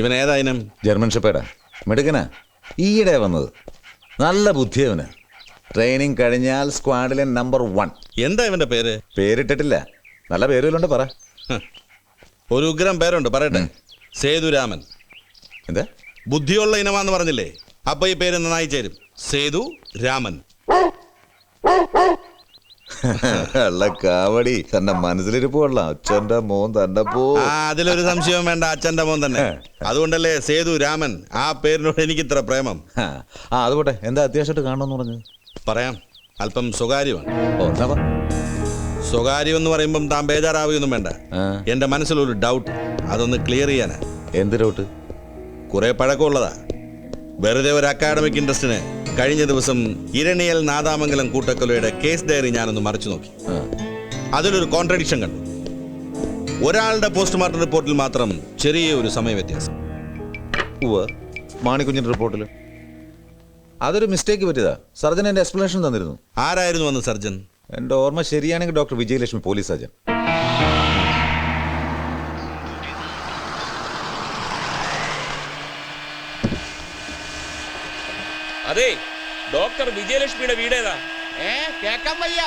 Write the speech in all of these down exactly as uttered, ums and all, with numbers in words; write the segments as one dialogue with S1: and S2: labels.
S1: ഇവൻ ഏതായാലും
S2: ജർമ്മൻ ഷെപ്പേർഡാ, മിടുക്കനാ, ഈയിടെ വന്നത്. നല്ല ബുദ്ധിയവന്. ട്രെയിനിങ് കഴിഞ്ഞാൽ സ്ക്വാഡിലെ നമ്പർ വൺ.
S1: എന്താ ഇവന്റെ പേര്?
S2: പേരിട്ടിട്ടില്ല, നല്ല പേരുകളുണ്ട്, പറ.
S1: ഒരു ഉഗ്രം പേരുണ്ട്, പറയട്ടെ. സേതുരാമൻ.
S2: എന്താ?
S1: ബുദ്ധിയുള്ള ഇനമാന്ന് പറഞ്ഞില്ലേ, അപ്പൊ ഈ പേര് നന്നായി ചേരും. സേതു രാമൻ.
S2: അല്ല കാവടി, തന്റെ മനസ്സിലിരിപ്പ് കൊള്ളാം. അച്ഛന്റെ മോൻ തന്റെ പോ.
S1: ആ, അതിലൊരു സംശയവും വേണ്ട, അച്ഛന്റെ മോൻ തന്നെ. അതുകൊണ്ടല്ലേ സേതു രാമൻ. ആ പേരിനോട് എനിക്ക് ഇത്ര പ്രേമം.
S2: ആ അത് പോട്ടെ, എന്താ അത്യാവശ്യമായിട്ട് കാണണമെന്ന് പറഞ്ഞു?
S1: പറയാം, അല്പം സ്വകാര്യമാണ്.
S2: ഓ എന്താ?
S1: സ്വകാര്യം എന്ന് പറയുമ്പം താൻ ബേജാറാവുകയൊന്നും വേണ്ട. എന്റെ മനസ്സിലൊരു ഡൗട്ട്, അതൊന്ന് ക്ലിയർ ചെയ്യാനാ.
S2: എന്ത് ഡൗട്ട്?
S1: കുറെ പഴക്കമുള്ളതാ. വെറുതെ ഒരു അക്കാഡമിക് ഇൻട്രസ്റ്റിന് കഴിഞ്ഞ ദിവസം ഇരണിയൽ നാദാമംഗലം കൂട്ടക്കൊലയുടെ കേസ് ഡയറി ഞാനൊന്ന് മറിച്ചു നോക്കി. അതിലൊരു കോൺട്രഡിക്ഷൻ കണ്ടു. ഒരാളുടെ പോസ്റ്റ്മോർട്ടം റിപ്പോർട്ടിൽ മാത്രം ചെറിയ ഒരു സമയ വ്യത്യാസം.
S2: മാണിക്കുഞ്ഞിന്റെ റിപ്പോർട്ടിൽ അതൊരു മിസ്റ്റേക്ക് പറ്റിയതാ. സർജൻ എന്റെ എക്സ്പ്ലനേഷൻ തന്നിരുന്നു.
S1: ആരായിരുന്നു അന്ന് സർജൻ?
S2: എന്റെ ഓർമ്മ ശരിയാണെങ്കിൽ ഡോക്ടർ വിജയലക്ഷ്മി, പോലീസ് സർജൻ.
S3: അതെ, ഡോക്ടർ വിജയലക്ഷ്മിയുടെ വീടേതാ?
S4: ഏ കേക്കാൻ വയ്യ.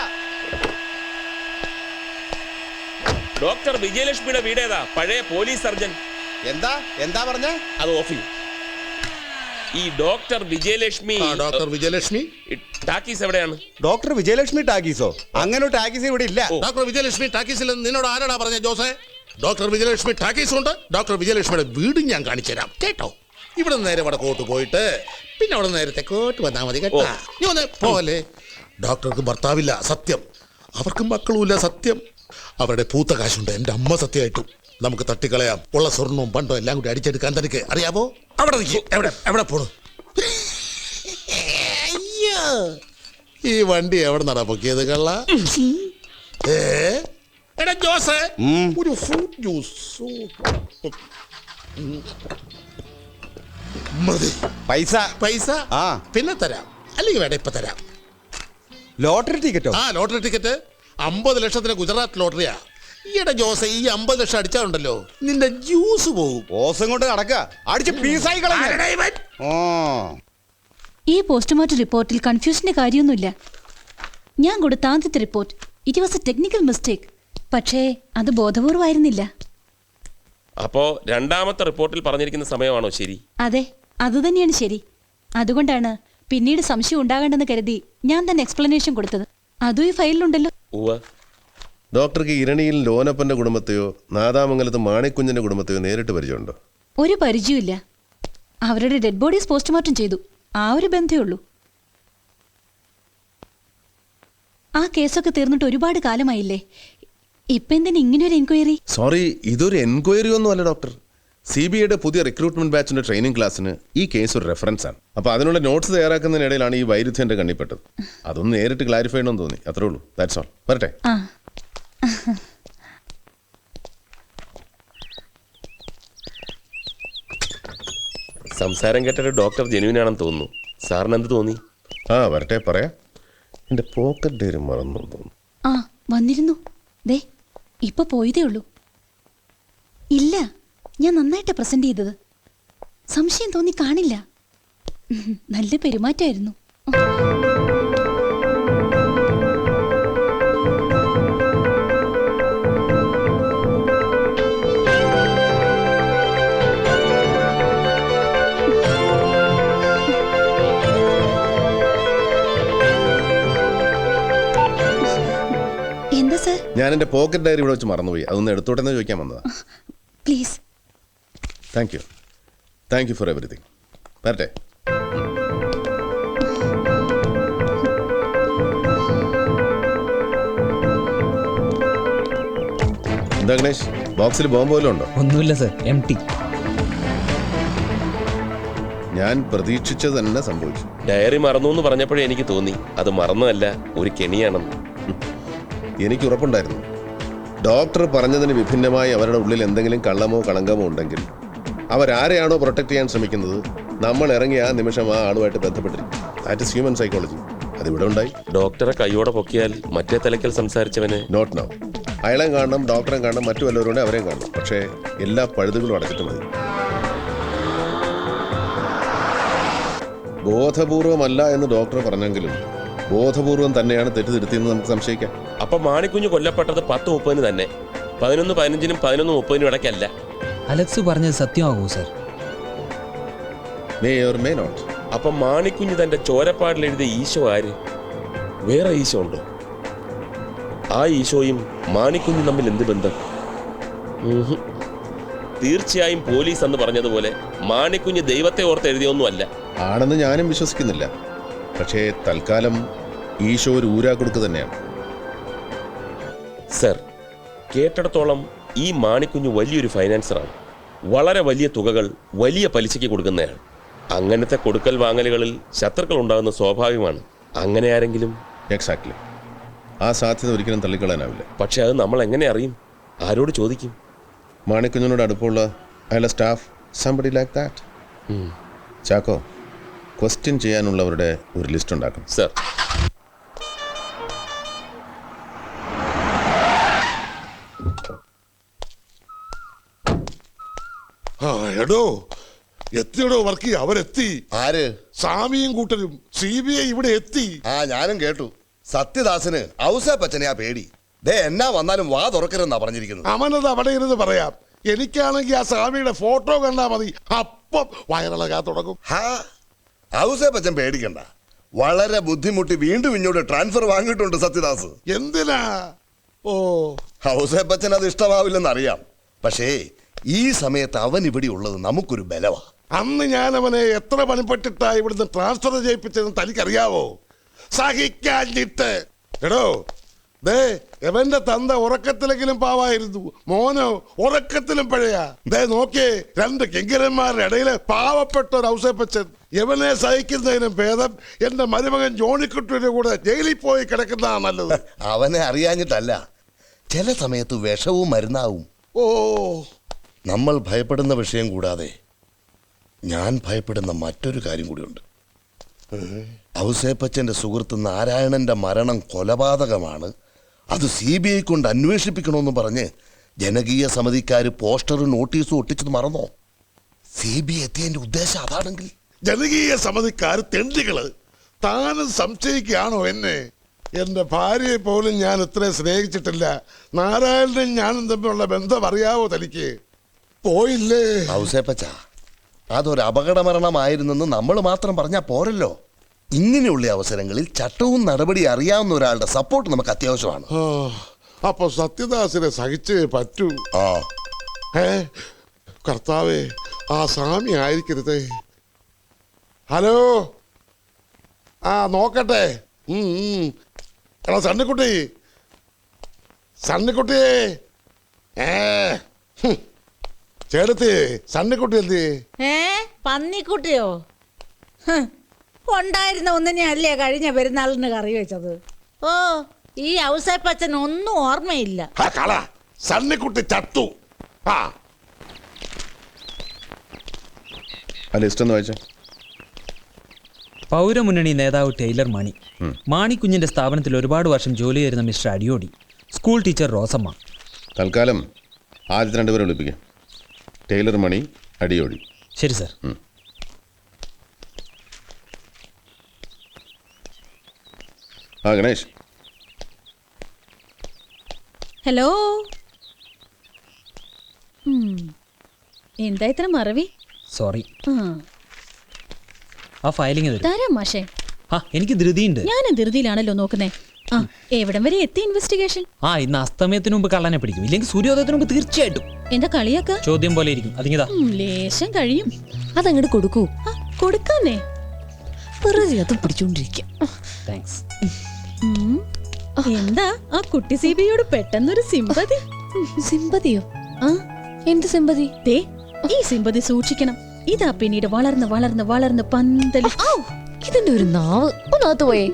S3: ഡോക്ടർ വിജയലക്ഷ്മിയുടെ വീടേതാ? പഴയ പോലീസ് സർജൻ.
S4: എന്താ എന്താ പറഞ്ഞ?
S3: അത് ഓഫി. ഈ doctor Vijayalakshmi.
S5: Doctor Vijayalakshmi
S3: talkies എവിടെയാണ്?
S4: ഡോക്ടർ വിജയലക്ഷ്മി ടാക്കീസോ? അങ്ങനെ ഒരു ടാക്കീസ് ഇവിടെ ഇല്ല.
S5: ഡോക്ടർ വിജയലക്ഷ്മി ടാക്കീസിൽ നിന്നോട് ആരാടാ പറഞ്ഞ ജോസേ? ഡോക്ടർ വിജയലക്ഷ്മി ടാക്കീസ് ഉണ്ട്. ഡോക്ടർ വിജയലക്ഷ്മിയുടെ വീടും ഞാൻ കാണിച്ചു തരാം, കേട്ടോ? ഇവിടെ നേരെ വടക്കോട്ട് പോയിട്ട് പിന്നെ അവിടെ നേരെ തെക്കോട്ട് വന്നാൽ മതി, കേട്ടോ? നീ ഒന്ന് പോലെ. ഡോക്ടർക്ക് ഭർത്താവില്ല, സത്യം. അവർക്ക് മക്കളുമില്ല, സത്യം. അവരുടെ പൂത്ത കാശുണ്ട്, എൻ്റെ അമ്മ സത്യമായിട്ടും. നമുക്ക് തട്ടിക്കളയാം. ഉള്ള സ്വർണവും പണ്ടോ എല്ലാം കൂടി അടിച്ചെടുക്കാൻ തനിക്ക് അറിയാവോ? അവിടെ നിൽക്കും. എവിടെ എവിടെ പോണു? അയ്യോ, ഈ വണ്ടി എവിടെ നടാ പൊക്കിയത് കള്ള? ഏ എടാ ജോസേ, ഒരു ഫ്രൂട്ട് ജ്യൂസ് മതി.
S4: പൈസ
S5: പൈസ
S4: ആ
S5: പിന്നെ തരാം, അല്ലെങ്കിൽ വേണ്ട ഇപ്പൊ തരാം.
S4: ലോട്ടറി ടിക്കറ്റോ?
S5: ആ ലോട്ടറി ടിക്കറ്റ് അമ്പത് ലക്ഷത്തിന് ഗുജറാത്ത് ലോട്ടറിയാ. ഈയിടെ ജോസെ, ഈ അമ്പത് ലക്ഷം അടിച്ചാലുണ്ടല്ലോ നിന്റെ ജ്യൂസ് പോകും.
S4: ഓസം കൊണ്ട് നടക്കുക, അടിച്ച് പീസായി കളഞ്ഞ.
S6: ഈ പോസ്റ്റ്മോർട്ടം റിപ്പോർട്ടിൽ കൺഫ്യൂഷന്റെ കാര്യമൊന്നുമില്ല. ഞാൻ കൊടുത്ത ആദ്യത്തെ report it was a technical mistake. പക്ഷേ അത് ബോധപൂർവമായിരുന്നില്ല.
S3: അപ്പോ രണ്ടാമത്തെ റിപ്പോർട്ടിൽ പറഞ്ഞിരിക്കുന്ന സമയമാണോ ശരി?
S6: അതെ, അതുതന്നെയാണ് ശരി. അതുകൊണ്ടാണ് പിന്നീട് സംശയം ഉണ്ടാകേണ്ടെന്ന് കരുതി ഞാൻ തന്നെ എക്സ്പ്ലനേഷൻ കൊടുത്തത്. അതും ഈ ഫയലിലുണ്ടല്ലോ.
S7: ഡോക്ടർക്ക് ഇരണിയിൽ ലോനപ്പന്റെ കുടുംബത്തെയോ നാദാമംഗലത്ത് മാണിക്കുഞ്ഞിന്റെ കുടുംബത്തെയോ നേരിട്ട് പരിചയമുണ്ടോ?
S6: ഒരു പരിചയമില്ല. അവരുടെ ഡെഡ് ബോഡീസ് പോസ്റ്റ്മോർട്ടം ചെയ്തു, ആ ഒരു ബന്ധമേ ഉള്ളൂ. ആ കേസൊക്കെ തീർന്നിട്ട് ഒരുപാട് കാലമായില്ലേ, ഇപ്പൊ എന്തിനാ ഇങ്ങനെ ഒരു എൻക്വയറി?
S7: സോറി, ഇതൊരു എൻക്വയറി ഒന്നും അല്ല ഡോക്ടർ. സി ബി ഐയുടെ പുതിയ റിക്രൂട്ട്മെന്റ് ബാച്ചിന്റെ ട്രെയിനിങ് ക്ലാസ്സിന് ഈ കേസ് ഒരു റെഫറൻസ് ആണ്. അപ്പൊ അതിനുള്ള നോട്ട്സ് തയ്യാറാക്കുന്നതിനിടയിലാണ് ഈ വൈരുദ്ധ്യം എന്റെ കണ്ണിപ്പെട്ടത്. അതൊന്ന് നേരിട്ട് ക്ലാരിഫൈ ചെയ്യണമെന്ന് തോന്നി, അത്രേ ഉള്ളൂ. That's all. വരട്ടെ.
S3: സംസാരം കേട്ടൊരു ഡോക്ടർ ജെനുവിൻ ആണെന്ന് തോന്നുന്നു. സാറിന് എന്ത് തോന്നി?
S7: ആ വരട്ടെ, പറയാം. എന്റെ പോക്കറ്റ് ഡയറി മറന്നു തോന്നുന്നു.
S6: ആ വന്നിരുന്നു, ദേ ഇപ്പൊ പോയതേ ഉള്ളൂ. ഇല്ല, ഞാൻ നന്നായിട്ട് പ്രസന്റ് ചെയ്തത്. സംശയം തോന്നി കാണില്ല. നല്ല പെരുമാറ്റമായിരുന്നു. എന്താ സർ?
S7: ഞാൻ എന്റെ പോക്കറ്റ് ഡയറി ഇവിടെ വെച്ച് മറന്നുപോയി, അതൊന്ന് എടുത്തോട്ടെന്ന് ചോദിക്കാൻ വന്നതാ.
S6: Please.
S7: Thank you thank you for everything. വരട്ടെ. എന്താ ഗണേഷ്, ബോക്സിൽ ബോംബ് പോലും ഉണ്ടോ?
S8: ഒന്നുമില്ല സർ, എം ടി.
S7: ഞാൻ പ്രതീക്ഷിച്ചത് തന്നെ സംഭവിച്ചു.
S3: ഡയറി മറന്നു എന്ന് പറഞ്ഞപ്പോഴേ എനിക്ക് തോന്നി അത് മറന്നതല്ല, ഒരു കെണിയാണെന്ന്.
S7: എനിക്ക് ഉറപ്പുണ്ടായിരുന്നു. ഡോക്ടർ പറഞ്ഞതിന് വിഭിന്നമായി അവരുടെ ഉള്ളിൽ എന്തെങ്കിലും കള്ളമോ കളങ്കമോ ഉണ്ടെങ്കിൽ അവരാരെയാണോ പ്രൊട്ടക്ട് ചെയ്യാൻ ശ്രമിക്കുന്നത്, നമ്മൾ ഇറങ്ങി ആ നിമിഷം ആ ആളുമായിട്ട് ബന്ധപ്പെട്ടിരിക്കും. That is human psychology. അതിവിടെ ഉണ്ടായി.
S3: ഡോക്ടറെ കൈയോടെ പൊക്കിയാൽ മറ്റേ തലക്കൽ സംസാരിച്ചവന്
S7: നോട്ട് നൗ. അയാളെയും കാണണം, ഡോക്ടറെ കാണണം, മറ്റു വല്ലവരുണ്ട് അവരെയും കാണണം. പക്ഷേ എല്ലാ പഴുതുകളും അടച്ചിട്ട് മതി. ബോധപൂർവമല്ല എന്ന് ഡോക്ടർ പറഞ്ഞെങ്കിലും ബോധപൂർവം തന്നെയാണ് തെറ്റിദ്ധരുത്തിയെന്ന് നമുക്ക് സംശയിക്കാം.
S3: അപ്പൊ മാണിക്കുഞ്ഞ് കൊല്ലപ്പെട്ടത് പത്ത് മുപ്പതിന് തന്നെ, പതിനൊന്ന് പതിനഞ്ചിനും പതിനൊന്ന് മുപ്പതിനും ഇടയ്ക്കല്ല.
S8: അലക്സ് പറഞ്ഞത് സത്യമാകൂ sir?
S7: May or may not.
S3: അപ്പൊ മാണിക്കുഞ്ഞ് തന്റെ ചോരപ്പാടിൽ എഴുതിയ ഈശോ ആര്? വേറെ ഈശോ ഉണ്ടോ? ആ ഈശോയും മാണിക്കുഞ്ഞും തമ്മിൽ എന്ത് ബന്ധം? ഉഹും. തീർച്ചയായും പോലീസ് എന്ന് പറഞ്ഞതുപോലെ മാണിക്കുഞ്ഞ് ദൈവത്തെ ഓർത്ത് എഴുതിയൊന്നും അല്ല.
S7: ആണെന്ന് ഞാനും വിശ്വസിക്കുന്നില്ല. പക്ഷേ തൽക്കാലം ഈശോ ഒരു ഊരാക്കുടുക്ക് തന്നെയാണ്.
S3: സർ, കേട്ടിടത്തോളം ഈ മാണിക്കുഞ്ഞ് വലിയൊരു ഫൈനാൻസറാണ്. വളരെ വലിയ തുകകൾ വലിയ പലിശയ്ക്ക് കൊടുക്കുന്നയാൾ. അങ്ങനത്തെ കൊടുക്കൽ വാങ്ങലുകളിൽ ശത്രുക്കൾ ഉണ്ടാകുന്ന സ്വാഭാവികമാണ്. അങ്ങനെ ആരെങ്കിലും?
S7: എക്സാക്ട്ലി. ആ സാധ്യത ഒരിക്കലും തള്ളിക്കളയാനാവില്ല.
S3: പക്ഷെ അത് നമ്മൾ എങ്ങനെ അറിയും? ആരോട് ചോദിക്കും?
S7: മാണിക്കുഞ്ഞിനോട് അടുപ്പമുള്ള അയാളുടെ staff, somebody like that. Chacko, question ചെയ്യാനുള്ളവരുടെ ഒരു ലിസ്റ്റ് ഉണ്ടാക്കണം.
S3: സർ.
S5: ആ എടോ എത്തിയടോ വർക്കി, അവരെത്തി.
S9: ആര്?
S5: സ്വാമിയും കൂട്ടരും സി ബി ഐ ഇവിടെ എത്തി.
S9: ആ ഞാനും കേട്ടു. സത്യദാസന് ഔസേപ്പച്ചനെയാ പേടി. ദേ എന്നാ വന്നാലും വാ തുറക്കരുതെന്നാ പറഞ്ഞിരിക്കുന്നത്.
S5: അവനത് അവിടെ ഇരുന്ന് പറയാം. എനിക്കാണെങ്കിൽ ആ സ്വാമിയുടെ ഫോട്ടോ കണ്ടാ മതി, അപ്പം വയറിളകാൻ തുടങ്ങും.
S9: ഹാ, ഔസേപ്പച്ചൻ പേടിക്കണ്ട. വളരെ ബുദ്ധിമുട്ടി വീണ്ടും ഇങ്ങോട്ട് ട്രാൻസ്ഫർ വാങ്ങിയിട്ടുണ്ട് സത്യദാസ്.
S5: എന്തിനാ? ഓ,
S9: ഔസേപ്പച്ചൻ അത് ഇഷ്ടമാവില്ലെന്നറിയാം. പക്ഷേ ഈ സമയത്ത് അവൻ ഇവിടെ ഉള്ളത് നമുക്കൊരു ബലവാ.
S5: അന്ന് ഞാൻ അവനെ എത്ര പണിപ്പെട്ടിട്ടാ ഇവിടുന്ന് ട്രാൻസ്ഫർ ചെയ്യിപ്പിച്ചതെന്ന് തനിക്കറിയാവോ? സഹിക്കാഞ്ഞിട്ട്. എടോ ദേ, എവന്റെ തന്ത ഉറക്കത്തിലെങ്കിലും പാവായിരുന്നു, മോനോ ഉറക്കത്തിലും പഴയ. ദേ നോക്കിയേ, രണ്ട് കിങ്കരന്മാരുടെ ഇടയിലെ പാവപ്പെട്ട ഒരു ഔസേപ്പച്ചൻ. എവനെ സഹിക്കുന്നതിനും ഭേദം എന്റെ മരുമകൻ ജോണിക്കുട്ടിയുടെ കൂടെ ജയിലിൽ പോയി കിടക്കുന്നതാ നല്ലത്.
S9: അവനെ അറിയാഞ്ഞിട്ടല്ല, ചില സമയത്ത് വിഷവും മരുന്നാവും.
S5: ഓ,
S9: നമ്മൾ ഭയപ്പെടുന്ന വിഷയം കൂടാതെ ഞാൻ ഭയപ്പെടുന്ന മറ്റൊരു കാര്യം കൂടിയുണ്ട്. ഔസേപ്പച്ചന്റെ സുഹൃത്ത് നാരായണന്റെ മരണം കൊലപാതകമാണ്, അത് സി ബി ഐ കൊണ്ട് അന്വേഷിപ്പിക്കണമെന്ന് പറഞ്ഞ് ജനകീയ സമിതിക്കാർ പോസ്റ്ററും നോട്ടീസും ഒട്ടിച്ചത് മറന്നോ? സി ബി ഐ എത്തിയതിന്റെ ഉദ്ദേശം അതാണെങ്കിൽ?
S5: ജനകീയ സമിതിക്കാർ തെണ്ടികള്. താനും സംശയിക്കുകയാണോ എന്നെ? എന്റെ ഭാര്യയെ പോലും ഞാൻ ഇത്രയും സ്നേഹിച്ചിട്ടില്ല. നാരായണനും ഞാനും തമ്മിലുള്ള ബന്ധം അറിയാവോ തനിക്ക്? പോയില്ലേ?
S9: ഔസേപ്പച്ച, അതൊരു അപകടമരണമായിരുന്നെന്ന് നമ്മൾ മാത്രം പറഞ്ഞാൽ പോരല്ലോ. ഇങ്ങനെയുള്ള അവസരങ്ങളിൽ ചട്ടവും നടപടി അറിയാവുന്ന ഒരാളുടെ സപ്പോർട്ട് നമുക്ക് അത്യാവശ്യമാണ്.
S5: അപ്പൊ സത്യദാസിനെ സഹിച്ചേ പറ്റൂ.
S9: ആ
S5: ഏ കർത്താവേ, ആ സ്വാമി ആയിരിക്കരുതേ. ഹലോ, ആ നോക്കട്ടെ. ഉം, ഉം. എടാ സണ്ണിക്കുട്ടി, സണ്ണിക്കുട്ടിയേ. ഏ ഹും. ചേട്ടത്തി, സണ്ണിക്കുട്ടി എന്തി?
S10: ഏ പന്നിക്കുട്ടിയോ? ഹ്, ഉണ്ടായിരുന്ന ഒന്നിനെ അല്ലേ കഴിഞ്ഞ പെരുന്നാളിന് കറി വെച്ചത്. ഓ, ഈ ഔസേപ്പച്ചൻ ഒന്നും ഓർമ്മയില്ല.
S5: ആ കള, സണ്ണിക്കുട്ടി ചത്തു. ആ
S7: ആ ലിസ്റ്റ് ഒന്ന് വായിച്ചേ.
S8: പൗരമുന്നണി നേതാവ് ടൈലർ മാണി, മാണിക്കുഞ്ഞിന്റെ സ്ഥാപനത്തിൽ ഒരുപാട് വർഷം ജോലി ചെയ്യുന്ന mister Adiyodi, school teacher Rosamma.
S7: തൽക്കാലം ആദ്യത്തെ രണ്ടുപേരെ വിളിപ്പിക്കാം. ടൈലർ മണി, അടിയോടി.
S8: ശരി സർ.
S7: ആ ഗണേഷ്.
S6: ഹലോ. എന്താ ഇത്ര മറവി?
S8: സോറി.
S6: ആ,
S8: ആ ഫയലിംഗ് തരും.
S6: തരാം മാഷേ.
S8: ആ എനിക്ക് ധൃതിയുണ്ട്.
S6: ഞാൻ ധൃതിയിലാണല്ലോ നോക്കുന്നേ. ആ, എവിടം വരെ എത്തി ഇൻവെസ്റ്റിഗേഷൻ?
S8: ആ ഇന്ന് അസ്തമയത്തിന് മുമ്പ് കള്ളനെ പിടിക്കും, ഇല്ലെങ്കിൽ സൂര്യോദയത്തിന് മുമ്പ് തീർച്ചയായിട്ടും.
S6: എന്താ കളിയാക്ക?
S8: ചോദ്യം പോലെ ഇരിക്കും. അതിങ്ങതാ.
S6: ലേശം കഴിയും. അതങ്ങോട്ട് കൊടുക്കൂ. കൊടുക്കാന്നേ, വെറുതെ അതും പിടിച്ചോണ്ടിരിക്കും.
S8: താങ്ക്സ്.
S6: എന്താ ആ കുട്ടി സീബിയോട് പെട്ടെന്നൊരു സിമ്പതി? സിമ്പതിയോ? ആ, എന്ത് സിമ്പതി? ദേ, ഈ സിമ്പതി സൂക്ഷിക്കണം. ഇതാ പിന്നീട് വളർന്ന് വളർന്ന് വളർന്ന് പന്തല്.
S11: ഇതിന്റെ ഒരു നാവ് ഒന്നാത്ത് പോയേ.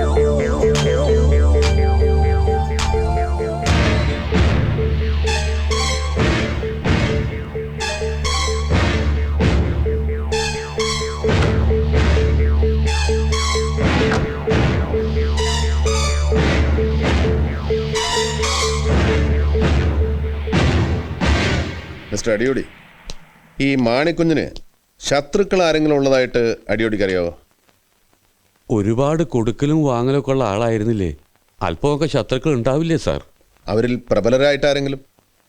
S7: മിസ്റ്റർ അടിയോടി, ഈ മാണിക്കുഞ്ഞിന് ശത്രുക്കൾ ആരെങ്കിലും ഉള്ളതായിട്ട് അടിയോടിക്ക് അറിയാവോ?
S12: ഒരുപാട് കൊടുക്കലും വാങ്ങലൊക്കെ ഉള്ള ആളായിരുന്നില്ലേ? അല്പമൊക്കെ ശത്രുക്കൾ ഉണ്ടാവില്ലേ സാർ?
S7: അവരിൽ പ്രബലരായിട്ട് ആരെങ്കിലും?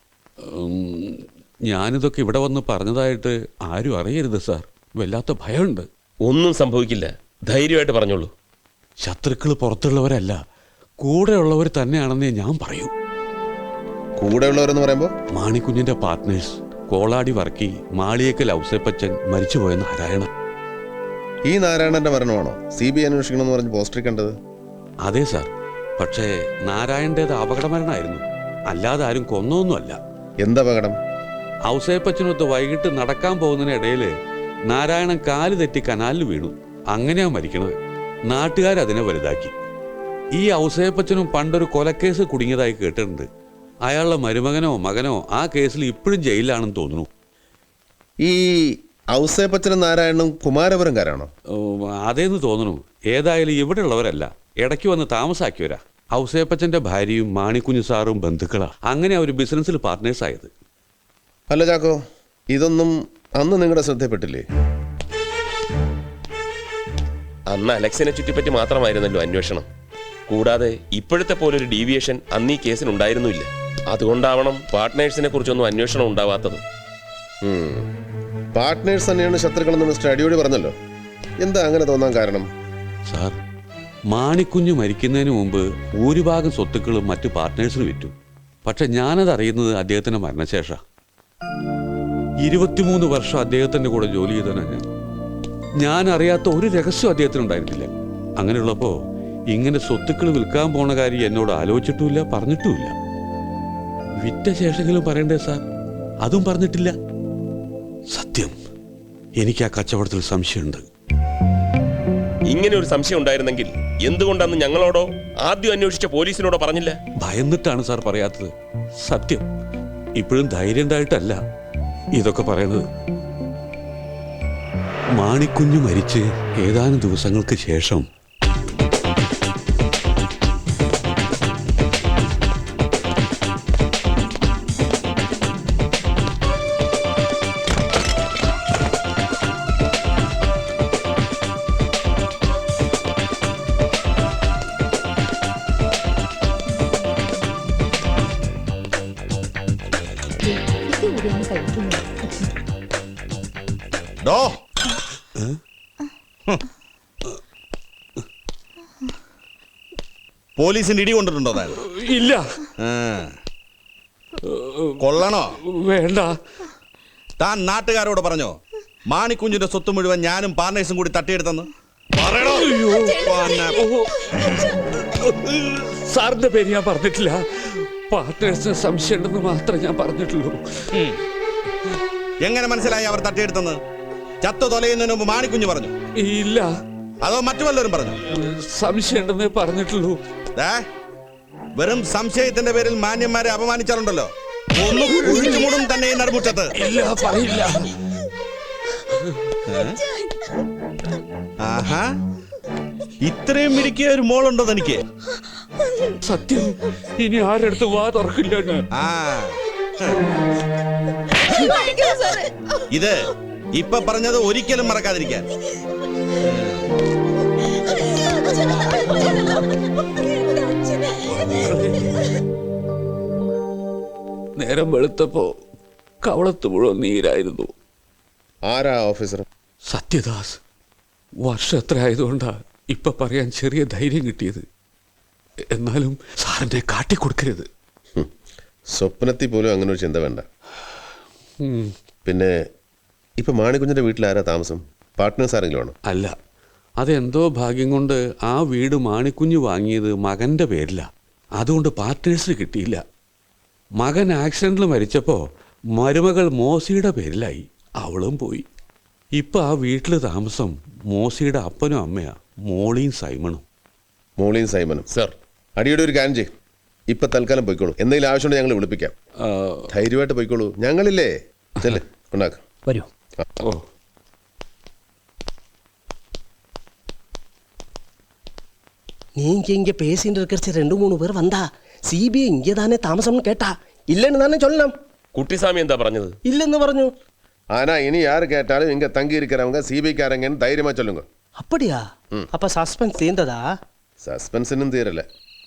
S12: ഞാനിതൊക്കെ ഇവിടെ വന്ന് പറഞ്ഞതായിട്ട് ആരും അറിയരുത് സാർ. വല്ലാത്ത ഭയമുണ്ട്.
S3: ഒന്നും സംഭവിക്കില്ല, ധൈര്യമായിട്ട് പറഞ്ഞോളൂ.
S12: ശത്രുക്കൾ പുറത്തുള്ളവരല്ല, കൂടെയുള്ളവർ തന്നെയാണെന്നേ ഞാൻ പറയൂ.
S7: കൂടെയുള്ളവരെന്ന് പറയുമ്പോൾ
S12: മാണിക്കുഞ്ഞിന്റെ പാർട്ട്നേഴ്സ് കോളാടി വർക്കി, മാളിയേക്കൽ ഔസേപ്പച്ചൻ, മരിച്ചുപോയ നാരായണ.
S7: ഈ നാരായണന്റെ മരണമാണോ സി ബി ഐ അന്വേഷിക്കണമെന്ന് പറഞ്ഞ് പോസ്റ്ററിൽ കണ്ടത്?
S12: അതെ സാർ, പക്ഷേ നാരായണൻ്റേത് അപകടമരണമായിരുന്നു, അല്ലാതെ ആരും കൊന്നൊന്നുമല്ല.
S7: എന്തപകടം?
S12: ഔസേപ്പച്ചനൊത്ത് വൈകിട്ട് നടക്കാൻ പോകുന്നതിനിടയിൽ നാരായണൻ കാല് തെറ്റി കനാലിൽ വീണു. അങ്ങനെയാ മരിക്കണത്. നാട്ടുകാരതിനെ വലുതാക്കി. ഈ ഔസേപ്പച്ചനും പണ്ടൊരു കൊലക്കേസ് കുടുങ്ങിയതായി കേട്ടിട്ടുണ്ട്. അയാളുടെ മരുമകനോ മകനോ ആ കേസിൽ ഇപ്പോഴും ജയിലിലാണെന്ന് തോന്നുന്നു.
S7: ഈ ഔസേപ്പച്ചനും നാരായണനും കുമാരപുരംകാരാണോ?
S12: അതേന്ന് തോന്നുന്നു. ഏതായാലും ഇവിടെ ഉള്ളവരല്ല, ഇടയ്ക്ക് വന്ന് താമസാക്കിയവരാ. ഔസേപ്പച്ചന്റെ ഭാര്യയും മാണിക്കുഞ്ഞു സാറും ബന്ധുക്കളാ. അങ്ങനെ അവർ ബിസിനസ്സിൽ പാർട്ട്നേഴ്സ് ആയത്.
S7: അല്ല ചാക്കോ, ഇതൊന്നും അന്ന് നിങ്ങളുടെ ശ്രദ്ധപ്പെട്ടില്ലേ?
S3: അന്ന് അലക്സിനെ ചുറ്റിപ്പറ്റി മാത്രമായിരുന്നല്ലോ അന്വേഷണം. കൂടാതെ ഇപ്പോഴത്തെ പോലൊരു ഡീവിയേഷൻ അന്ന് ഈ കേസിനുണ്ടായിരുന്നില്ല. അതുകൊണ്ടാവണം പാർട്ട്നേഴ്സിനെ കുറിച്ചൊന്നും അന്വേഷണം ഉണ്ടാവാത്തത്.
S7: പാർട്ട്നേഴ്സ് തന്നെയാണ് ശത്രുക്കളെന്ന് മിസ്റ്റർ അടിയോടി പറഞ്ഞല്ലോ. എന്താ അങ്ങനെ തോന്നാൻ കാരണം?
S12: സാർ, മാണിക്കുഞ്ഞ് മരിക്കുന്നതിന് മുമ്പ് ഭൂരിഭാഗം സ്വത്തുക്കളും മറ്റു പാർട്ട്നേഴ്സിന് വിറ്റു. പക്ഷെ ഞാനത് അറിയുന്നത് അദ്ദേഹത്തിന്റെ മരണശേഷം. ഇരുപത്തിമൂന്ന് വർഷം അദ്ദേഹത്തിന്റെ കൂടെ ജോലി ചെയ്തവനാണ് ഞാൻ. ഞാൻ അറിയാത്ത ഒരു രഹസ്യം അദ്ദേഹത്തിനുണ്ടായിരുന്നില്ല. അങ്ങനെയുള്ളപ്പോ ഇങ്ങനെ സ്വത്തുക്കൾ വിൽക്കാൻ പോണ കാര്യം എന്നോട് ആലോചിച്ചിട്ടുമില്ല, പറഞ്ഞിട്ടുമില്ല. വിറ്റ ശേഷമെങ്കിലും പറയണ്ടേ സാർ? അതും പറഞ്ഞിട്ടില്ല. സത്യം, എനിക്ക് ആ കച്ചവടത്തിൽ സംശയമുണ്ട്.
S3: ഇങ്ങനെ ഒരു സംശയം ഉണ്ടായിരുന്നെങ്കിൽ എന്തുകൊണ്ടാന്ന് ഞങ്ങളോടോ ആദ്യം അന്വേഷിച്ച പോലീസിനോടോ പറഞ്ഞില്ല?
S12: ഭയന്നിട്ടാണ് സാർ പറയാത്തത്. സത്യം, ഇപ്പോഴും ധൈര്യം ഉണ്ടായിട്ടല്ല ഇതൊക്കെ പറയുന്നത്. മാണിക്കുഞ്ഞ് മരിച്ച് ഏതാനും ദിവസങ്ങൾക്ക് ശേഷം
S1: ഡോ പോലീസിന്റെ ഇടി കൊണ്ടിട്ടുണ്ടോ താൻ?
S12: ഇല്ല.
S1: കൊള്ളണോ?
S12: വേണ്ട.
S1: താൻ നാട്ടുകാരോട് പറഞ്ഞോ മാണിക്കുഞ്ഞിന്റെ സ്വത്ത് മുഴുവൻ ഞാനും പാർട്ട്നേഴ്സും കൂടി തട്ടിയെടുത്തെന്ന്? പറയണോ?
S12: സാറിന്റെ പേര് ഞാൻ പറഞ്ഞിട്ടില്ല. പാർട്ട്നേഴ്സിന് സംശയം ഉണ്ടെന്ന് മാത്രമേ ഞാൻ പറഞ്ഞിട്ടുള്ളൂ.
S1: എങ്ങനെ മനസ്സിലായി അവർ തട്ടിയെടുത്തെന്ന്? ചത്തു തൊലയുന്നതിന് മുമ്പ് മാണിക്കുഞ്ഞ് പറഞ്ഞു?
S12: ഇല്ല.
S1: അതോ മറ്റു വല്ലവരും പറഞ്ഞു?
S12: സംശയം ഉണ്ടെന്നേ പറഞ്ഞിട്ടുള്ളൂ.
S1: വെറും സംശയത്തിന്റെ പേരിൽ മാന്യന്മാരെ അപമാനിച്ചാലുണ്ടല്ലോ, ഒന്നും കുഴിച്ചുമൂടും തന്നെ ഈ നടുമുറ്റത്ത്.
S12: ഇല്ല, പറയില്ല.
S1: ആഹാ, ഇത്രയും മിടുക്കിയ ഒരു മോളുണ്ടോ തനിക്ക്?
S12: സത്യം, ഇനി ആരെടുത്ത് വാ തുറക്കില്ല ഞാൻ.
S1: ആ, ഇത് ഇപ്പൊ പറഞ്ഞത് ഒരിക്കലും മറക്കാതിരിക്കാൻ.
S12: നേരം വെളുത്തപ്പോ കവളത്ത് മുഴുവൻ നീരായിരുന്നു.
S7: ആരാ ഓഫീസർ?
S12: സത്യദാസ്. വർഷം എത്ര ആയതുകൊണ്ടാ ഇപ്പൊ പറയാൻ ചെറിയ ധൈര്യം കിട്ടിയത്. എന്നാലും സാറിനെ കാട്ടിക്കൊടുക്കരുത്.
S7: സ്വപ്നത്തിൽ പോലും അങ്ങനെ ഒരു ചിന്ത വേണ്ട. പിന്നെ ഇപ്പൊ മാണിക്കുഞ്ഞിന്റെ വീട്ടിൽ ആരാ താമസം? പാർട്ട്നേഴ്സ് ആരെങ്കിലും ആണോ?
S12: അല്ല, അതെന്തോ ഭാഗ്യം കൊണ്ട് ആ വീട് മാണിക്കുഞ്ഞ് വാങ്ങിയത് മകന്റെ പേരില. അതുകൊണ്ട് പാർട്ട്നേഴ്സിന് കിട്ടിയില്ല. മകൻ ആക്സിഡന്റിൽ മരിച്ചപ്പോ മരുമകൾ മോസിയുടെ പേരിലായി. അവളും പോയി. ഇപ്പൊ ആ വീട്ടിൽ താമസം മോസിയുടെ അപ്പനും അമ്മയാ, മോളിയും സൈമണും.
S7: മോളിയും സൈമനും
S3: സർ.
S7: അടിയുടെ ഒരു കാര്യം ചെയ്യും. ഇപ്പൊ തൽക്കാലം പോയിക്കോളൂ. എന്തെങ്കിലും ആവശ്യമുണ്ടെങ്കിൽ ഞങ്ങൾ വിളിപ്പിക്കാം. ധൈര്യമായിട്ട് പോയിക്കോളൂ. ഞങ്ങളില്ലേ ചെല്ലേ ഉണ്ടാക്കാം.
S8: വരൂ.
S3: ഓ
S13: நீங்க இங்க பேசிட்டு இருக்கிற ரெண்டு மூணு பேர் வந்தா சிபிஐ இங்கே தானே தாமசம்னு கேட்டா இல்லைன்னு தானே சொல்லலாம்.
S3: കുട്ടിസ്വാമി എന്താ പറഞ്ഞത്?
S13: இல்லைன்னு പറഞ്ഞു.
S7: ஆனா இனி யாரு கேட்டாலும் இங்க தங்கி இருக்கிறவங்க சிபிஐக்காரங்கன்னு தைரியமா சொல்லுங்க.
S13: அப்படியா? அப்ப சஸ்பென்ஸ் தீர்ந்ததா?
S7: சஸ்பென்ஸ் இன்னும் தீரல.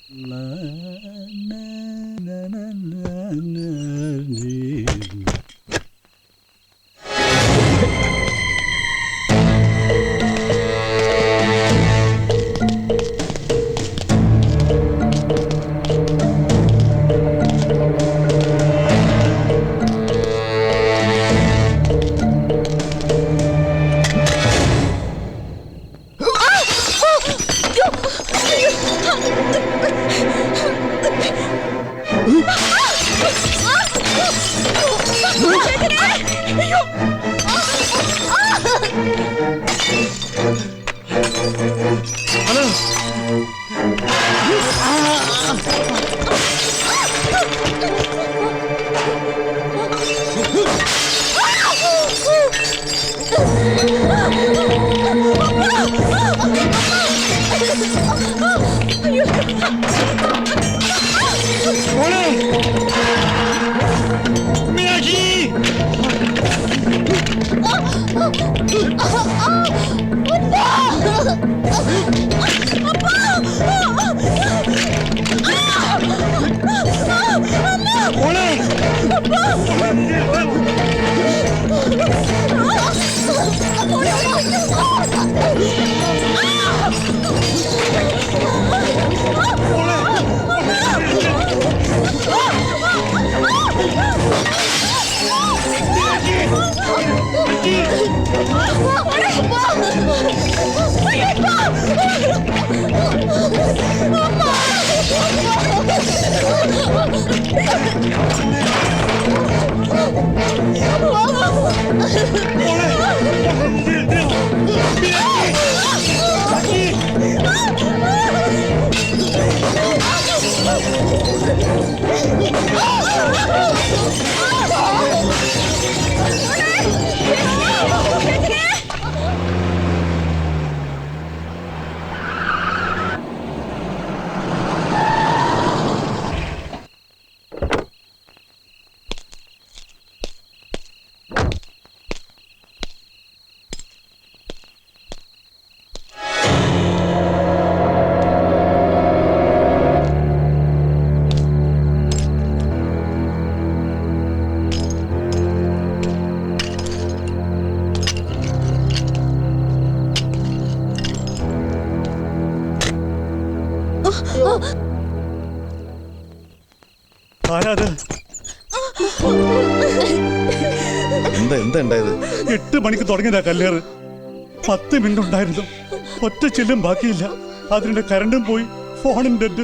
S7: എന്താ എന്താ ഉണ്ടായത്?
S14: എട്ട് മണിക്ക് തുടങ്ങിയതാ കല്ലേറ്. പത്ത് മിനിറ്റ് ഉണ്ടായിരുന്നു. ഒറ്റ ചില്ലും ബാക്കിയില്ല. അതിന്റെ കരണ്ടും പോയി, ഫോണും ഡെഡ്.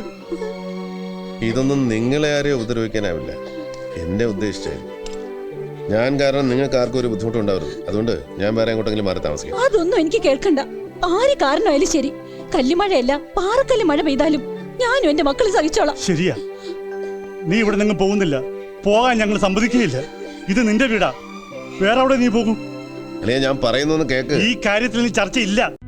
S7: ഇതൊന്നും നിങ്ങളെ ആരെയും ഉപദ്രവിക്കാനാവില്ല. എന്നെ ഉദ്ദേശിച്ചായിരുന്നു. ഞാൻ കാരണം നിങ്ങൾക്ക് ആർക്കും ഒരു ബുദ്ധിമുട്ടുണ്ടാവരുത്. അതുകൊണ്ട് ഞാൻ വേറെ എങ്ങോട്ടെങ്കിലും മാറി താമസിക്കാം.
S6: അതൊന്നും എനിക്ക് കേൾക്കണ്ട. ആര് കാരണമായാലും ശരി, കല്ലുമഴയല്ല പാറക്കല്ല് മഴ പെയ്താലും ഞാനും എന്റെ മക്കളെ സഹിച്ചോളാം.
S14: ശരിയാ, നീ ഇവിടെ നിങ്ങൾ പോകുന്നില്ല. പോകാൻ ഞങ്ങൾ സമ്മതിക്കുകയില്ല. ഇത് നിന്റെ വീടാ. വേറെ അവിടെ നീ പോകും.
S7: അല്ലേ ഞാൻ പറയുന്നൊന്ന് കേക്ക്.
S14: ഈ കാര്യത്തിൽ നീ ചർച്ചയില്ല.